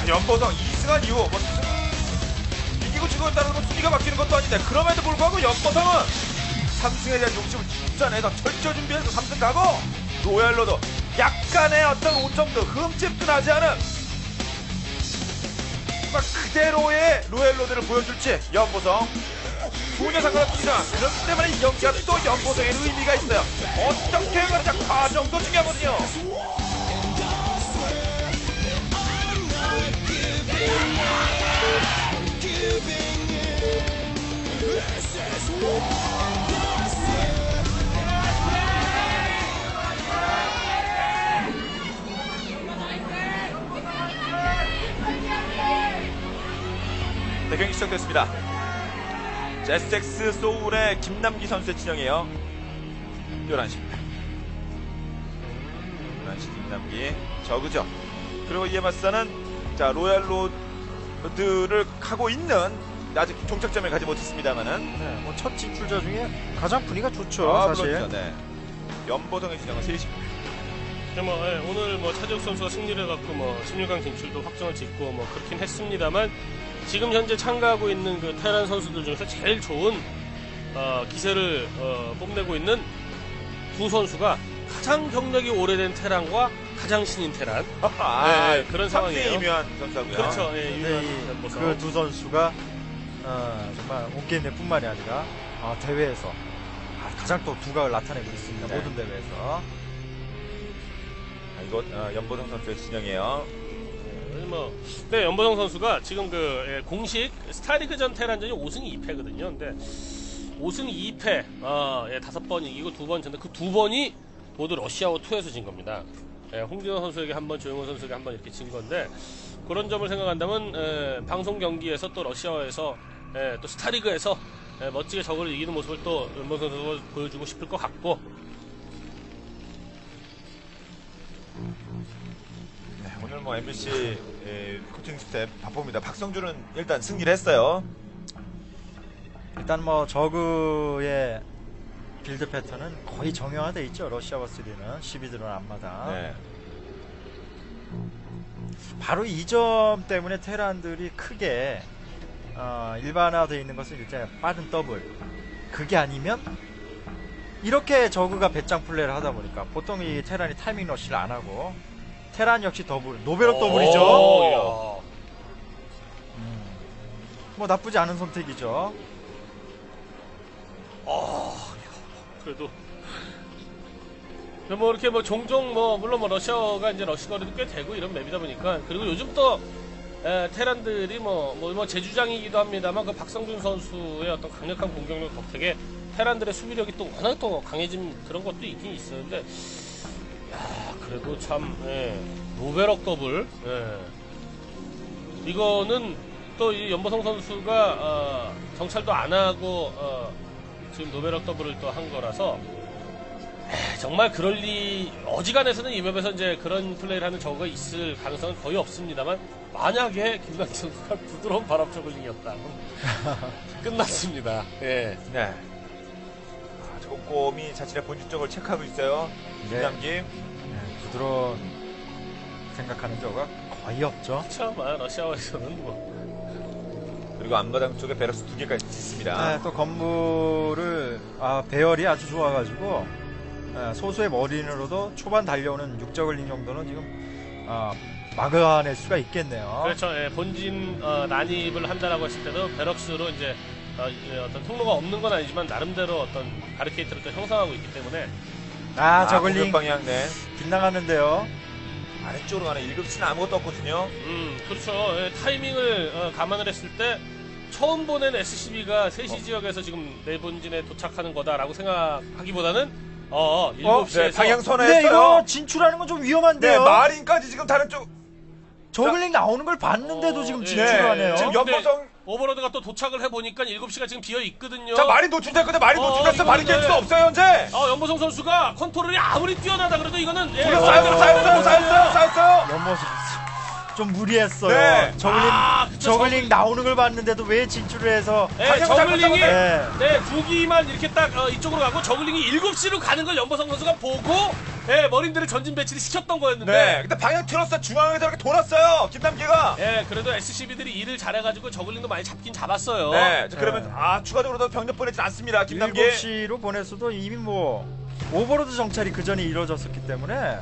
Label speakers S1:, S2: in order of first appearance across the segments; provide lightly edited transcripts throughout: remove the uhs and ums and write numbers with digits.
S1: 연보성 2승한 이후 뭐 이기고 지고 있다는 건 순위가 바뀌는 것도 아닌데 그럼에도 불구하고 연보성은 3승에 대한 욕심을 집산해서 철저 준비해서 3승 가고 로얄로도 약간의 어떤 오점도 흠집도 나지 않은 막 그대로의 로얄로드를 보여줄지 연보성 전혀 상관없습니다. 그렇기 때문에 이 경기가 또 연보성의 의미가 있어요. 어떻게 가느냐 과정도 중요하거든요. 네, 경기 시작됐습니다. 제스텍스 소울의 김남기 선수의 진영이에요. 11시입니다. 11시 김남기 저그죠. 그리고 이에 맞서는 자 로얄로드를 하고 있는 아직 종착점을 가지 못했습니다만은
S2: 네, 뭐 첫 진출자 중에 가장 분위기가 좋죠. 사실.
S1: 물론이죠. 네. 연보성의 진영은 3시입니다.
S3: 오늘 차재욱 선수가 승리를 해갖고 16강 진출도 확정을 짓고 그렇긴 했습니다만 지금 현재 참가하고 있는 그 테란 선수들 중에서 제일 좋은 기세를 뽐내고 있는 두 선수가 가장 경력이 오래된 테란과 가장 신인 테란. 네, 그런 상황이에요.
S1: 이묘한 선수하고요.
S3: 그렇죠.
S2: 그 두 선수가 정말 온게임 내뿐만이 아니라 대회에서 가장 또 두각을 나타내고 있습니다.
S1: 네.
S2: 모든 대회에서.
S1: 이거 연보성 선수의 진영이에요.
S3: 네, 연보성 선수가 지금 공식 스타리그전 테란전이 5승 2패거든요. 근데 5승 2패, 5번 이기고 2번 졌는데 그 2번이 모두 러시아워 2에서 진 겁니다. 홍진호 선수에게 한 번, 조용호 선수에게 한 번 이렇게 진 건데 그런 점을 생각한다면 방송 경기에서 또 러시아에서 또 스타리그에서 멋지게 저걸 이기는 모습을 또 연보성 선수가 보여주고 싶을 것 같고.
S1: 오늘 MBC 코칭 스텝 바쁩니다. 박성준은 일단 승리를 했어요.
S2: 일단 저그의 빌드 패턴은 거의 정형화되어 있죠. 러시아와 3는 12드론 앞마다.
S1: 네.
S2: 바로 이 점 때문에 테란들이 크게 일반화되어 있는 것은 일단 빠른 더블. 그게 아니면 이렇게 저그가 배짱 플레이를 하다 보니까 보통 이 테란이 타이밍 러시를 안 하고 테란 역시 더블, 노베럭 더블이죠. 뭐 나쁘지 않은 선택이죠.
S3: 그래도 이렇게 종종 물론 러시아가 이제 러시거리도 꽤 되고 이런 맵이다 보니까 그리고 요즘 또 테란들이 제주장이기도 합니다만 그 박성준 선수의 어떤 강력한 공격력 덕택에 테란들의 수비력이 또 워낙 또 강해진 그런 것도 있긴 있었는데 그래도 참 노베럭 더블 이거는 또 이 연보성 선수가 정찰도 안 하고 지금 노베럭 더블을 또 한 거라서 정말 그럴 리 어지간해서는 이 맵에서 이제 그런 플레이를 하는 저거가 있을 가능성은 거의 없습니다만 만약에 김남기 선수가 부드러운 바람 저글링이었다면 끝났습니다. 예.
S1: 네. 꼼꼼히 자신의 본질적을 체크하고 있어요. 김남기.
S2: 부드러운 생각하는 저가 거의 없죠.
S3: 그렇죠. 러시아에서는
S1: 그리고 앞마당 쪽에 베럭스 2개까지 있습니다.
S2: 또 건물을 배열이 아주 좋아가지고 소수의 머린으로도 초반 달려오는 육저글링 정도는 지금 막아낼 수가 있겠네요.
S3: 그렇죠. 본진 난입을 한다라고 했을 때도 베럭스로 이제 어떤 통로가 없는 건 아니지만 나름대로 어떤 바리케이트를 또 형성하고 있기 때문에
S2: 저글링
S1: 방향
S2: 빗나가는데요.
S1: 아래쪽으로 가는 1급치는 아무것도 없거든요.
S3: 그렇죠. 타이밍을 감안을 했을 때 처음 보낸 SCB가 3시 지역에서 지금 내 본진에 도착하는 거다라고 생각하기보다는 7시에서
S1: 네, 방향
S2: 근데
S1: 선회했어요.
S2: 이거 진출하는 건 좀 위험한데요.
S1: 네, 마린까지 지금 다른 쪽.
S2: 저글링 나오는 걸 봤는데도 지금
S3: 예.
S2: 진출하네요.
S1: 지금 연보성
S3: 오버로드가 또 도착을 해보니까 7시가 지금 비어 있거든요.
S1: 자, 마린 노출됐거든. 마린 노출됐어. 마린 깰
S3: 이거는-
S1: 수가 없어요, 현재.
S3: 연보성 선수가 컨트롤이 아무리 뛰어나다 그래도 이거는
S1: 쌓였어요.
S2: 연모습 좀 무리했어요.
S1: 네.
S2: 저글링
S3: 그쵸,
S2: 저글링 나오는 걸 봤는데도 왜 진출을 해서
S3: 네,
S1: 방향을
S3: 저글링이
S1: 잘못
S2: 네.
S3: 두 기만 이렇게 딱 이쪽으로 가고 저글링이 7시로 가는 걸 연보성 선수가 보고 머린들을 전진 배치를 시켰던 거였는데
S1: 네. 근데 방향 틀었어. 중앙에서 이렇게 돌았어요. 김남기가.
S3: 그래도 SCB들이 일을 잘해가지고 저글링도 많이 잡긴 잡았어요.
S1: 네. 그러면 추가적으로 더 병력 보내진 않습니다. 김남기.
S2: 7시로 보냈어도 이미 뭐 오버로드 정찰이 그 전에 이루어졌었기 때문에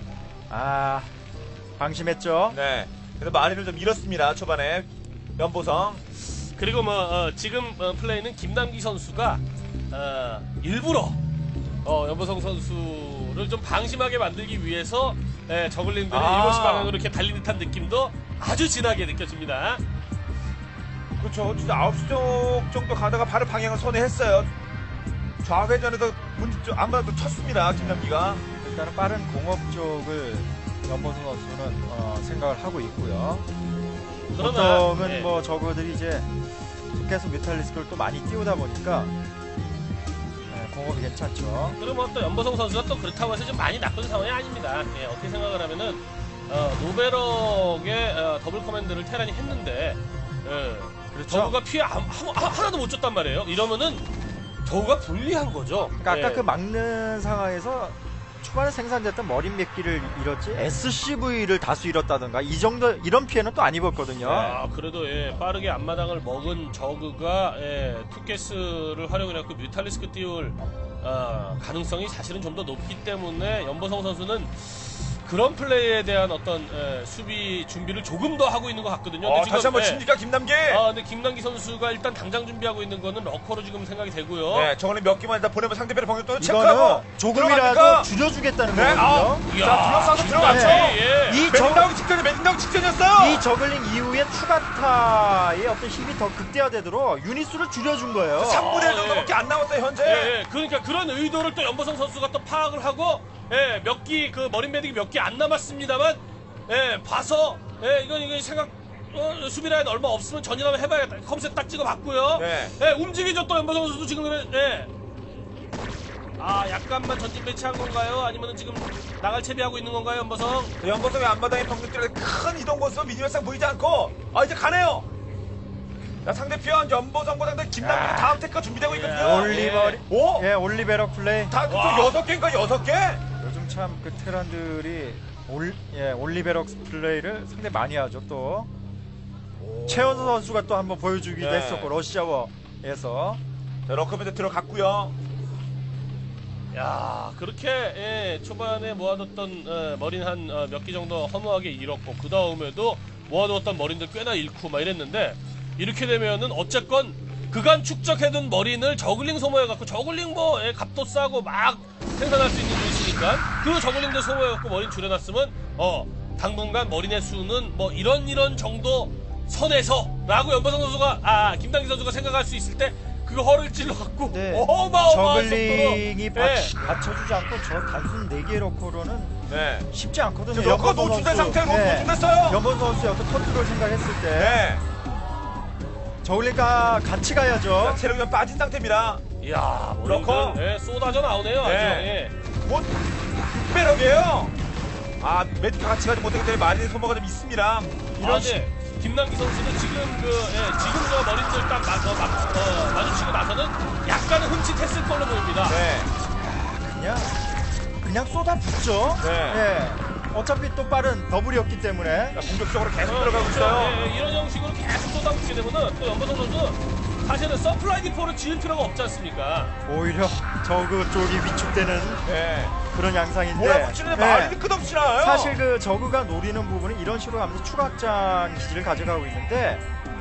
S2: 방심했죠.
S1: 네. 그래서 마리를 좀 잃었습니다. 초반에 연보성.
S3: 그리고 지금 플레이는 김남기 선수가 일부러 연보성 선수를 좀 방심하게 만들기 위해서 저글링들이 7시 방향으로 이렇게 달린 듯한 느낌도 아주 진하게 느껴집니다.
S1: 그렇죠. 진짜 9시 쪽 정도 가다가 바로 방향을 선회했어요. 좌회전에서 아무래도 쳤습니다. 김남기가.
S2: 일단은 빠른 공업 쪽을 연보성 선수는 생각을 하고 있고요.
S3: 그러나
S2: 보통은 뭐 저거들이 이제 계속 뮤탈리스크를 또 많이 띄우다 보니까 공업이 괜찮죠.
S3: 그러면 또 연보성 선수가 또 그렇다고 해서 좀 많이 나쁜 상황이 아닙니다. 어떻게 생각을 하면은 노베럭의 더블 커맨드를 테란이 했는데
S2: 그렇죠.
S3: 저우가 피해 하나도 못 줬단 말이에요. 이러면은 저우가 불리한 거죠.
S2: 그러니까 아까 그 막는 상황에서 초반에 생산됐던 머린 몇 기를 잃었지 SCV를 다수 잃었다든가 이 정도 이런 피해는 또 안 입었거든요.
S3: 그래도 빠르게 앞마당을 먹은 저그가 투게스를 활용해갖고 뮤탈리스크 띄울 가능성이 사실은 좀 더 높기 때문에 연보성 선수는 그런 플레이에 대한 어떤 수비 준비를 조금 더 하고 있는 것 같거든요. 근데
S1: 다시 한번 칩니까 김남기?
S3: 근데 김남기 선수가 일단 당장 준비하고 있는 거는 러커로 지금 생각이 되고요.
S1: 네, 저거는 몇 개만 일단 보내면 상대편의 병력 또
S2: 이거는
S1: 체크하고
S2: 조금이라도
S1: 들어갑니까?
S2: 줄여주겠다는
S1: 네,
S2: 거거든요.
S1: 자, 둘러싸서 들어갔죠.
S3: 예.
S2: 이
S1: 매딩 나오기 직전에 매딩 나오기 직전이었어요.
S2: 이 저글링 이후에 추가타의 어떤 힘이 더 극대화되도록 유닛수를 줄여준 거예요.
S1: 3분의 1 정도밖에 안 남았어요 현재.
S3: 그러니까 그런 의도를 또 연보성 선수가 또 파악을 하고 몇 기 그 머린 매딩이 몇 개 안 남았습니다만 봐서 이건 생각 수비 라인 얼마 없으면 전이라면 해봐야겠다. 컴셋 딱 찍어봤고요.
S1: 네.
S3: 움직이죠 또 연보성 선수도 지금 약간만 전진 배치한 건가요? 아니면 지금 나갈 채비하고 있는 건가요, 연보성?
S1: 연보성의 앞마당에 병력들의 큰 이동 모습은 미니맵상 보이지 않고 이제 가네요. 자, 상대편 연보성보다 김남기 다음 테크가 준비되고 있거든요.
S2: 올리버리
S1: 오?
S2: 올리베러 플레이.
S1: 다
S3: 와.
S1: 6개인가 6개?
S2: 요즘 참 그 테란들이 올리베럭 플레이를 상당히 많이 하죠. 또 최원수 선수가 또 한번 보여주기도
S1: 네.
S2: 했었고 러시아워에서
S1: 자, 러커맨드 들어갔고요.
S3: 야, 그렇게 초반에 모아뒀던 머린 한 몇 개 정도 허무하게 잃었고 그 다음에도 모아뒀던 머린들 꽤나 잃고 막 이랬는데 이렇게 되면은 어쨌건 그간 축적해둔 머린을 저글링 소모해갖고 저글링 값도 싸고 막 생산할 수 있는 곳이니까 그 저글링들 소모해갖고 머린 줄여놨으면 당분간 머린의 수는 이런 정도 선에서라고 연보성 선수가 김당기 선수가 생각할 수 있을 때 그 허를 찔러갖고 어마어마한
S2: 저글링이
S3: 속도로
S2: 받쳐주지 않고 저 단순 4개 러커로는
S1: 네.
S2: 쉽지 않거든요.
S1: 지금 러커
S2: 연보성
S1: 노출된
S2: 선수.
S1: 상태로 노출됐어요.
S2: 연보성 선수의 어떤 컨트롤 생각했을 때
S1: 네.
S2: 저글링과 같이 가야죠.
S1: 자, 체력이 좀 빠진 상태입니다.
S3: 이야
S1: 러커.
S3: 머린들 쏟아져 나오네요.
S1: 네.
S3: 아주.
S1: 곧 빼럭이에요. 메디카 같이 가지 못하기 때문에 많이 소모가 좀 있습니다.
S3: 이런 김남기 선수는 지금 지금 저 머린들 딱 마주치고 나서는 약간은 흠칫했을 걸로 보입니다.
S1: 네.
S2: 그냥 쏟아붓죠.
S1: 네.
S2: 어차피 또 빠른 더블이었기 때문에
S1: 자, 공격적으로 계속 들어가고 있어요.
S3: 이런 형식으로 계속 쏟아붓게 되면은 또 연보성 선수 사실은 서플라이 디포를 지을 필요가 없지 않습니까?
S2: 오히려 저그 쪽이 위축되는
S1: 네.
S2: 그런 양상인데
S1: 몰아붙이는데 말이 끝없이 나와요.
S2: 사실 그 저그가 노리는 부분은 이런 식으로 가면서 추가 확장 기지를 가져가고 있는데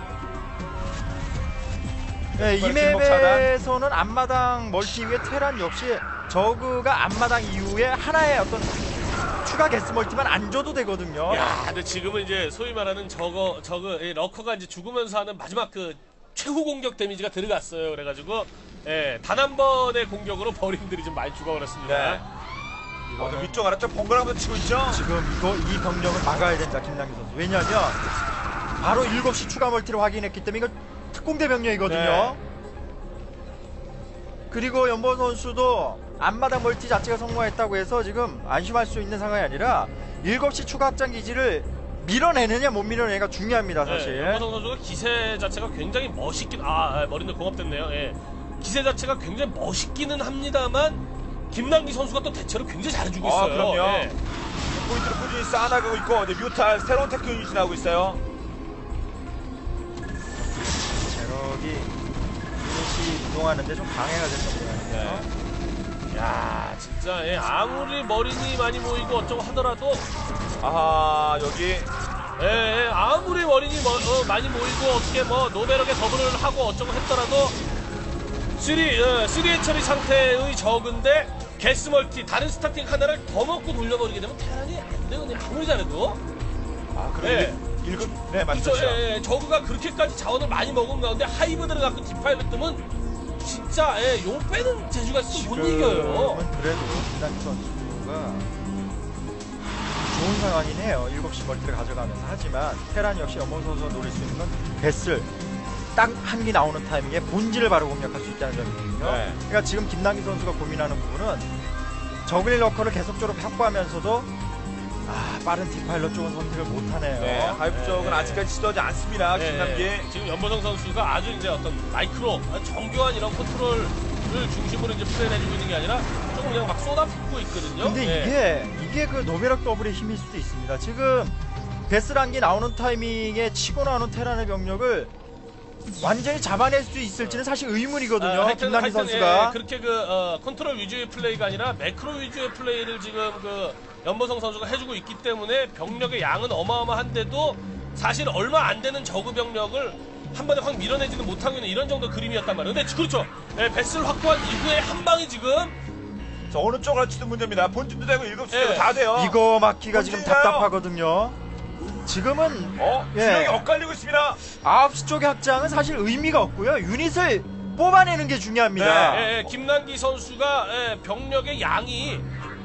S2: 이 맵에서는 앞마당 멀티 위에 테란 역시 저그가 앞마당 이후에 하나의 어떤 추가 게스 멀티만 안 줘도 되거든요.
S3: 야, 근데 지금은 이제 소위 말하는 저그 러커가 이제 죽으면서 하는 마지막 그 최후 공격 데미지가 들어갔어요. 그래가지고 단 한 번의 공격으로 버림들이 좀 많이 죽어버렸습니다.
S1: 네. 위쪽 아래쪽 번갈아가면서 치고 있죠.
S2: 지금 이 병력을 막아야 된다 김남기 선수. 왜냐하면 바로 7시 추가 멀티를 확인했기 때문에 이거 특공대 병력이거든요.
S1: 네.
S2: 그리고 연보 선수도 앞마당 멀티 자체가 성공했다고 해서 지금 안심할 수 있는 상황이 아니라 7시 추가 확장 기지를 밀어내느냐 못 밀어내냐가 중요합니다 사실.
S3: 연보성 선수가 기세 자체가 굉장히 멋있긴 머리는 공업됐네요. 예. 기세 자체가 굉장히 멋있기는 합니다만 김남기 선수가 또 대체로 굉장히 잘해주고 있어요.
S1: 그럼요.
S3: 예.
S1: 포인트를 꾸준히 쌓아나가고 있고 이제 뮤탈 새로운 테크 유닛이 나오고 있어요.
S2: 제럭이 유닛이 이동하는데 좀 방해가 됐던 것 같아요.
S3: 야 진짜 아무리 머리니 많이 모이고 어쩌고 하더라도
S1: 아하 여기
S3: 아무리 머리니 많이 모이고 어떻게 뭐 노베럭에 더블을 하고 어쩌고 했더라도 3의 처리 상태의 적은데 게스 멀티 다른 스타팅 하나를 더 먹고 돌려버리게 되면 테란이 안 되거든요. 아무리 잘해도.
S1: 그래 맞죠.
S3: 그렇죠. 저그가 그렇게까지 자원을 많이 먹은 가운데 하이브드를 갖고 디파일을 뜨면 진짜 용 빼는 재주가 있어 못 이겨요.
S2: 지금은 그래도 김남기 선수가 좋은 상황이네요. 7시 멀티를 가져가면서. 하지만 테란 역시 연보성 선수가 노릴 수 있는 건 배슬 딱 한 기 나오는 타이밍에 본질을 바로 공략할 수 있다는 점이거든요.
S1: 네.
S2: 그러니까 지금 김남기 선수가 고민하는 부분은 저글링 러커를 계속적으로 확보하면서도 빠른 디파일러 쪽은 선택을 못하네요.
S1: 네, 하이브 쪽은 아직까지 시도하지 않습니다. 김남기.
S3: 지금 연보성 선수가 아주 이제 어떤 마이크로 정교한 이런 컨트롤을 중심으로 이제 플레이를 해주고 있는 게 아니라 조금 그냥 막 쏟아붓고 있거든요.
S2: 근데 이게 그 노베럭 더블의 힘일 수도 있습니다. 지금 베스란기 나오는 타이밍에 치고 나오는 테란의 병력을 완전히 잡아낼 수 있을지는 사실 의문이거든요. 김남기 선수가.
S3: 그렇게 컨트롤 위주의 플레이가 아니라 매크로 위주의 플레이를 지금 연보성 선수가 해주고 있기 때문에 병력의 양은 어마어마한데도 사실 얼마 안 되는 저그 병력을 한 번에 확 밀어내지는 못하고 있는 이런 정도 그림이었단 말이에요. 근데 그렇죠. 배스를 확보한 이후에 한 방이 지금
S1: 어느 쪽을 할지도 문제입니다. 본진도 되고 7시도 되고 다 돼요.
S2: 이거 막기가 지금
S1: 본진이에요.
S2: 답답하거든요. 지금은
S1: 주력이 엇갈리고 있습니다.
S2: 9시 쪽의 확장은 사실 의미가 없고요. 유닛을 뽑아내는 게 중요합니다.
S3: 김남기 선수가 병력의 양이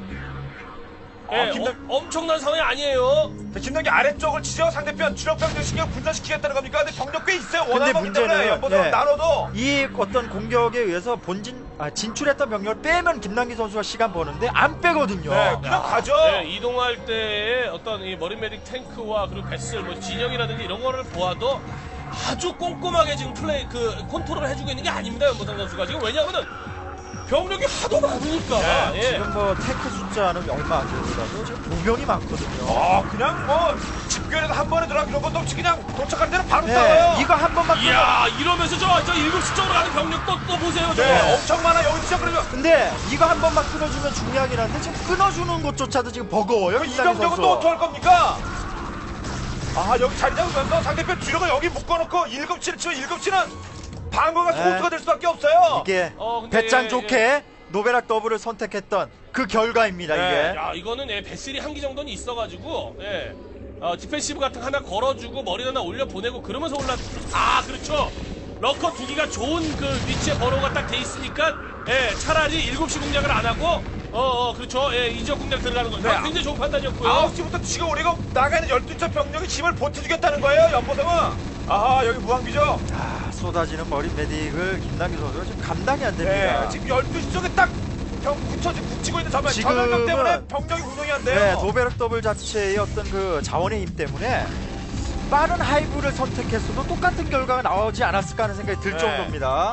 S3: 엄청난 상황이 아니에요.
S1: 김남기 아래쪽을 치죠. 상대편 주력병력 신경 분산시키겠다는 겁니까? 근데 병력 꽤 있어요.
S2: 근데
S1: 원하는
S2: 문제는
S1: 연보성 나눠도
S2: 이 어떤 공격에 의해서 진출했던 병력을 빼면 김남기 선수가 시간 버는데 안 빼거든요.
S1: 그냥 가죠.
S3: 이동할 때의 어떤 이 머리메딕 탱크와 그리고 배슬 진영이라든지 이런 거를 보아도 아주 꼼꼼하게 지금 컨트롤을 해주고 있는 게 아닙니다. 연보성 선수가 지금 왜냐하면은 병력이 하도 많으니까.
S2: 지금 뭐 테크 숫자는 얼마 안 되더라도 지금 보병이 많거든요.
S1: 그냥 집결해서 한 번에 들어가기 이런 것도 없이 그냥 도착하는 데는 바로 싸워요.
S2: 이거 한 번만
S3: 이야 이러면서 저 7시 쪽으로 가는 병력 또 보세요.
S1: 엄청 많아. 여기 시작 그러면
S2: 근데 이거 한 번만 끊어주면 중요하긴 한데 지금 끊어주는 것조차도 지금 버거워요.
S1: 이 병력은 또 어떡할 겁니까? 여기 자리 잡으면서 상대편 주력을 여기 묶어놓고 7시를 치면 7시는 방어가 소수가 될 수밖에 없어요.
S2: 이게
S3: 근데
S2: 배짱 좋게 노베락 더블을 선택했던 그 결과입니다. 이게.
S3: 야 이거는 배슬이 한 기 정도는 있어가지고 디펜시브 같은 거 하나 걸어주고 머리 하나 올려 보내고 그러면서 그렇죠. 러커 2기가 좋은 위치에 버로가 딱 돼 있으니까 차라리 7시 공략을 안 하고 그렇죠. 이지역 공략 들어가는 거죠. 굉장히 좋은 판단이었고요.
S1: 9시부터 지금 우리가 나가는 12점 병력이 힘을 보태주겠다는 거예요. 연보성은. 여기 무한기죠.
S2: 쏟아지는 머리 메딕을 김남기 선수가 지금 감당이 안 됩니다.
S1: 지금 12시 쪽에 딱 붙이고 있는
S2: 지금은-
S1: 전면 때문에 병력이 구성이 안 돼요.
S2: 노베락 더블 자체의 어떤 그 자원의 힘 때문에 빠른 하이브를 선택했어도 똑같은 결과가 나오지 않았을까 하는 생각이 들 정도입니다.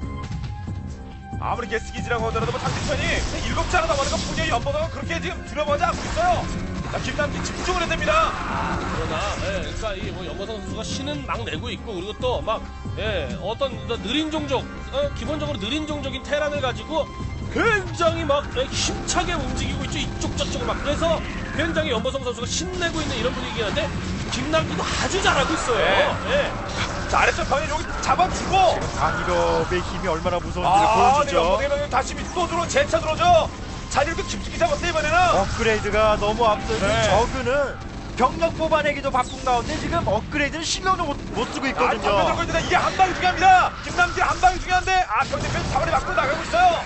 S1: 아무리 게스기지라고 하더라도 상대편이 7시 하나 남아니까 분명히 연보성은 그렇게 지금 두려워하지 않고 있어요. 김남기 집중을 해야 됩니다.
S3: 그러나 그러니까 이 연보성 선수가 신은 막 내고 있고 그리고 또 막 어떤 느린 종족 기본적으로 느린 종족인 테란을 가지고 굉장히 막 힘차게 움직이고 있죠. 이쪽 저쪽을 막 그래서 굉장히 연보성 선수가 신내고 있는 이런 분위기긴 한데 김남기도 아주 잘하고 있어요.
S1: 자, 아래쪽 병이 여기 잡아주고
S2: 강일업의 힘이 얼마나 무서운지를 보여주죠.
S1: 연보성이 다시 또 들어 재차 들어오죠. 자리를 깊숙이 잡았어요 이번에는.
S2: 업그레이드가 너무 앞서서
S1: 네.
S2: 저그는 병력 뽑아내기도 바쁜 가운데 지금 업그레이드는 신경도 못 쓰고 있거든요.
S1: 들고 있는데 이게 한 방이 중요합니다. 김남기 한 방이 중요한데 상대편 사거리 밖으로 나가고 있어요.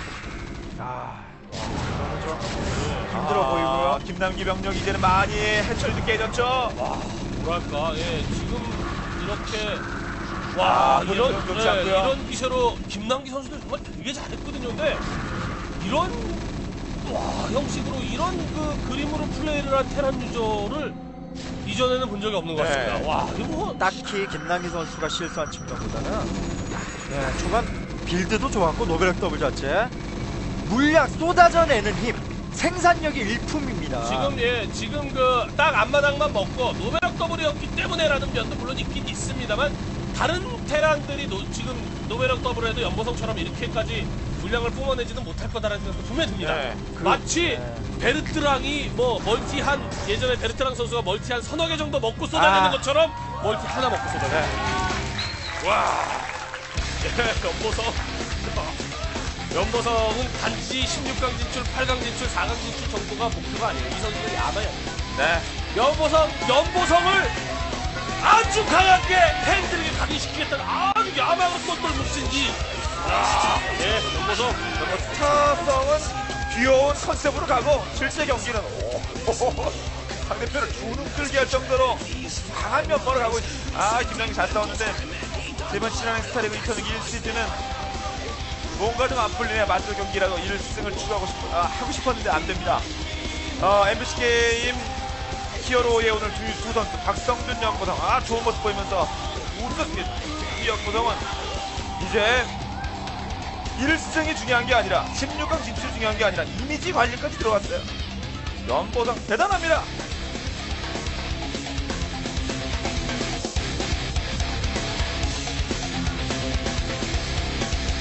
S2: 이거는 좀 힘들어 보이고요.
S1: 김남기 병력 이제는 많이 해철도 깨졌죠.
S3: 뭐랄까 지금 이렇게
S1: 이런 좋지 않고요.
S3: 이런 기세로 김남기 선수도 정말 되게 잘했거든요. 근데 이런 형식으로 이런 그림으로 플레이를 한 테란 유저를 이 이전에는 본 적이 없는 것
S1: 네.
S3: 같습니다. 와, 이거 뭐
S2: 딱히 김남기 선수가 실수한 측면보다는 초반 빌드도 좋았고 노벨 더블 자체 물량 쏟아져내는 힘 생산력이 일품입니다.
S3: 지금 그 딱 앞마당만 먹고 노베락 더블이었기 때문에라는 면도 물론 있긴 있습니다만 다른 테란들이 지금 노베락 더블에도 연보성처럼 이렇게까지 물량을 뿜어내지는 못할 거다라는 생각도 분명히 듭니다.
S1: 네.
S3: 마치 베르트랑이 뭐 멀티한 예전에 베르트랑 선수가 멀티한 서너 개 정도 먹고 쏟아내는 것처럼 멀티 하나 먹고 쏟아내는. 와, 연보성은 단지 16강 진출, 8강 진출, 4강 진출 정도가 목표가 아니에요. 이 선수들이 야마야.
S1: 네.
S3: 연보성을 아주 강하게 팬들에게 각인시키겠다는 아주 야망을 쏟던 몫인지. 연보성.
S1: 스타성은 귀여운 컨셉으로 가고 실제 경기는 상대편을 주눅 들게 할 정도로 강한 면모를 가고 있습니다. 김남기 잘 싸웠는데 이번 신한행 스타리그 2001시즌은 뭔가 좀 안 풀리네. 맞돌 경기라도 1승을 추구하고 하고 싶었는데 안 됩니다. MBC 게임 히어로의 오늘 두 선수 박성준, 연보성 좋은 모습 보이면서 우승 연보성은 이제 1승이 중요한 게 아니라 16강 진출이 중요한 게 아니라 이미지 관리까지 들어갔어요. 연보성 대단합니다.